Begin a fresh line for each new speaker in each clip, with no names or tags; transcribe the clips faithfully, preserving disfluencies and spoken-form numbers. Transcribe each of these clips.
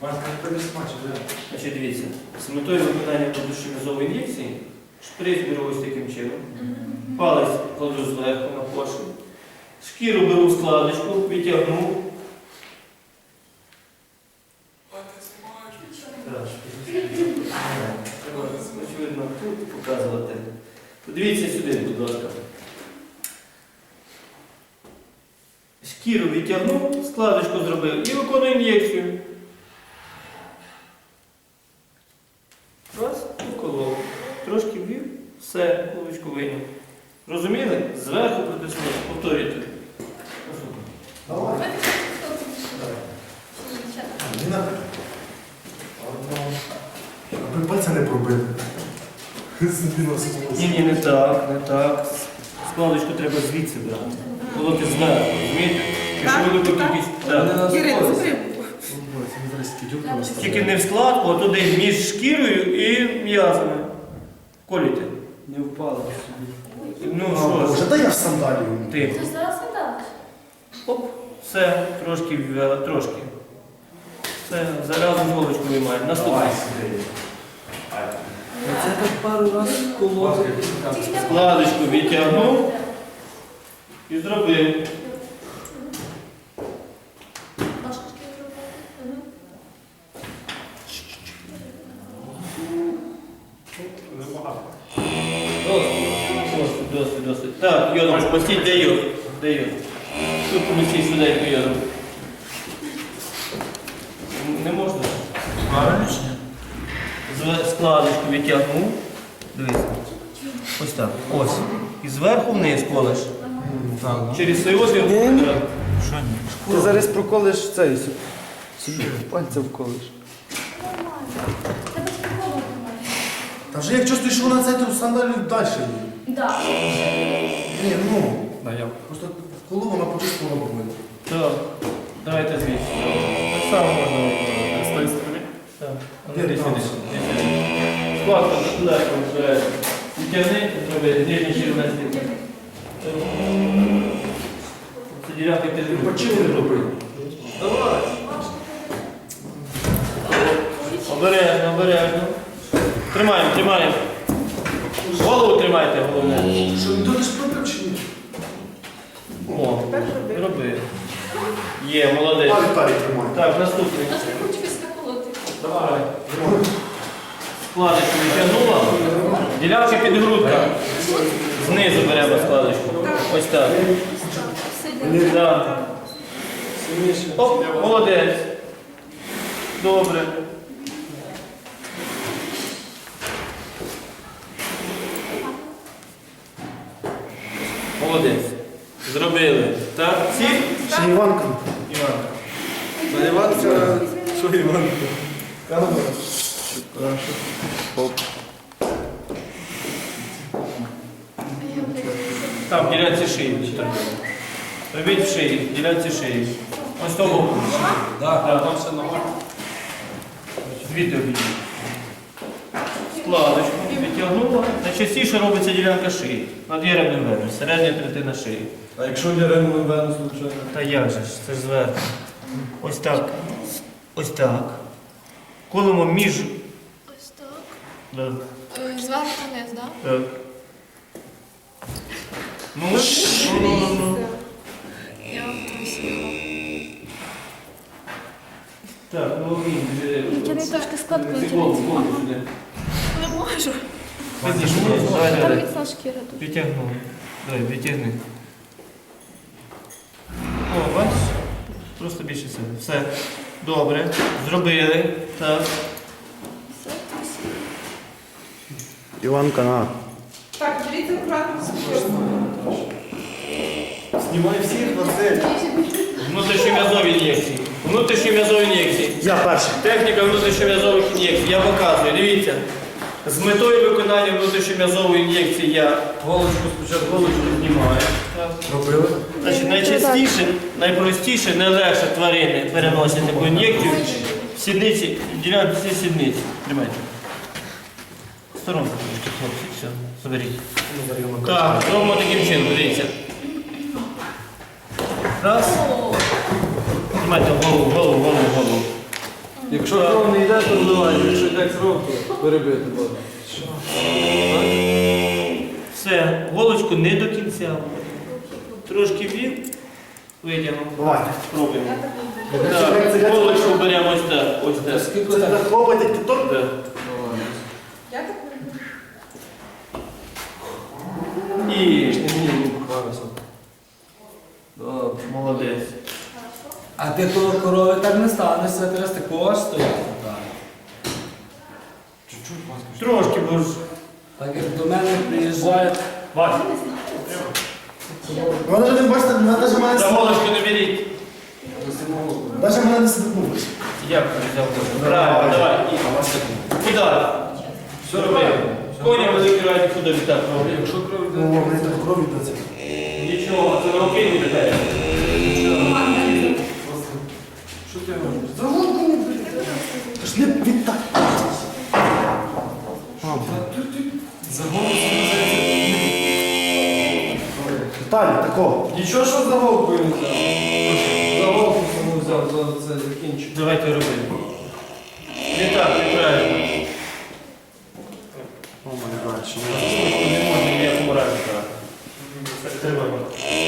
Значить, дивіться, з метою виконання продушевізової ін'єкції шприц беру ось таким чином, палець кладу зверху на поршень, шкіру беру в складочку, відтягну. Очевидно, тут показувати. Подивіться сюди, будь ласка. Шкіру відтягнув, складочку зробив і виконую ін'єкцію. Раз, уколов. Трошки ввів, все, куличку вийняв. Розуміли? Зверху притиснули. Повторюйте.
Давай. Аби пальця не пробити.
Ні, ні, не так, не так. Складочку треба звідси брати. Колоти зверху, розумієте? Якщо велику кількість. Так. Тільки не в складку, а туди між шкірою і м'язами. Коліте.
Не впало.
Ну що
Вже
ж,
дай я в сандалію.
ти.
Ти зараз не даш.
Оп, все, трошки ввела, трошки. Все, заразу голочку виймаємо. Наступний.
Це так пару разів колоти.
Складочку відтягнув і зробив.
Ножки зробити.
Досить, досить, досить. Так, йодом, постіть, де йод? Де йод? Тут помістіть швиденько йодом. Не можна?
Правильно чи ні?
Зве- Складочку відтягнув. Дивіться. Ось так. Ось. І зверху вниз колеш. Через цей отвір.
Ні.
Так.
Що ні?
Ти зараз проколиш цей собі. Собі пальця вколиш.
Тебе ж ніколи немає.
Та вже як чувствуєш, що вона це, то в сандалію далі їде.
Так.
Ні, ну. Просто коли вона почувствувала боль.
Так. Давайте звідси. Так само можна виконувати. З тої сторони? Так. А ну,
Ні,
десь
там.
сюди. Десь сюди. Складку легко вперед. Відтягни, зроби нижній червоний. Це ділянка підгрупи.
Почали робити.
Давай. Обережно, обережно. Тримаємо, тримаємо. Голову тримайте, головне.
Що, ніхто не спробив чи ні?
О, роби. Є, молодець.
А, Віталій тримає.
Так, наступний.
Аж не хочу скакувати.
Давай. Складочку відтягнула. Ділянка підгрудка. Знизу беремо складочку. Ось так.
Сиди.
Так. Оп, молодець. Добре. Молодець. Зробили. Так, всі?
Ще Іванка.
Іванка.
Наливатися.
Що Іванка? Камера.
Оп.
Там, в ділянці шиї. Робіть в шиї, в ділянці шиї. Ось того. Так, там все нормально. Звідти обійдіть. Складочку відтягнула. Найчастіше робиться ділянка шиї. Над єремним веном, середня третина шиї.
А якщо я реально вену случайно?
Та як же ж, це ж зверху. Ось так. Ось так. Колемо між.
Ось так.
Да.
Е, Зверху вниз, так?
Так. Ну, ну, ну, ну, ну.
Я втрусила.
Так, ну він.
Тяни трошки складку,
Голову,
тяни.
голову сюди.
Не можу.
Відтягнули. Давай,
Там
давай.
міцна шкіра тут.
Відтягнули. Давай, відтягни. О, бачиш? Просто більше сили. Все. Добре. Зробили. Так.
Все, втрусила.
Іванка, на.
Так, дивіться акуратно.
Знімай всіх, Василь.
Внутрішньом'язові ін'єкції. Внутрішньом'язові ін'єкції.
Я перший.
Техніка внутрішньом'язових ін'єкцій. Я показую. Дивіться. З метою виконання внутрішньом'язової ін'єкції я голочку спочатку голочку знімаю. Так.
Робили?
Значить, найчастіше, найпростіше, найлегше тварини переносять таку ін'єкцію в сідниці, в ділянці сідниці. Тримайте. Сторонку трошки, хлопці, все, заберіть. Так, робимо таким чином, дивіться. Раз. Тримайте голову, голову, голову, голову.
Якщо кров не йде, то вливай, якщо йде кров, то перебити буде.
Все, голочку не до кінця. Трошки вів, витягнув.
Давайте.
Спробуємо. Так, голочку беремо ось так. Ось так.
Скільки
Це
так?
так хлопать, як кіток?
Так.
Я так не
І
Добре.
молодець.
А ти коло корови так не станешся, ти раз такого стояти.
Трошки, бо ж.
Так як до мене приїжджають.
Вась,
Вона ж не бачите, вона навіть мене
за голочку не беріть.
навіть мене не сиднулась.
Я взяв голочку. Правильно, давай. І удар. Все робимо. Коня великий раді куди відтак роблять.
Якщо кров
Ну,
йде,
мені так кров йде.
Нічого, це на руки не віддає.
що ти робиш?
Та ж не відтай.
За голову сказати.
Віталій, такого.
Нічого, що за голову не взяв. За голову саму взяв, за це закінчив.
Давайте робимо. Не так, неправильно.
О, май гад, що
Не можна ніякому разі брати. Тримаємо.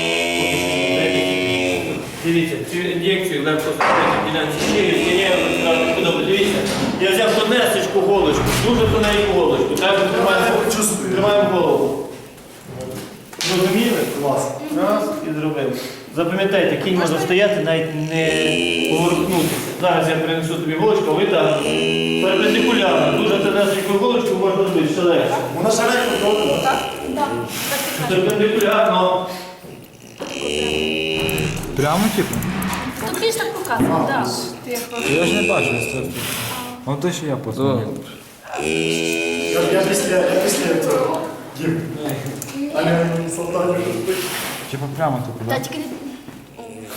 Дивіться, цю ін'єкцію легко зробити ділянці шиї, зміняємо розказати подобу. Дивіться, я взяв тонесечку голочку, дуже тоненьку голочку. Так, ми тримаємо,
чувствую.
тримаємо голову. Зрозуміли?
Клас.
Раз і зробив. Запам'ятайте, кінь може стояти, навіть не поворухнутися. Зараз я принесу тобі голочку, а ви так. Перпендикулярно. Дуже тонесеньку голочку можна робити ще легше.
Вона ще легко робила.
Так, так і кажу.
Перпендикулярно.
Прямо типу?
Тут більш так показано, так. Ти як
Я ж не бачу, що це. Ну то що я позвонив.
Я, я після, я після цього. Дім. А не солдатів.
Типа прямо типу,
Та
да?
тільки не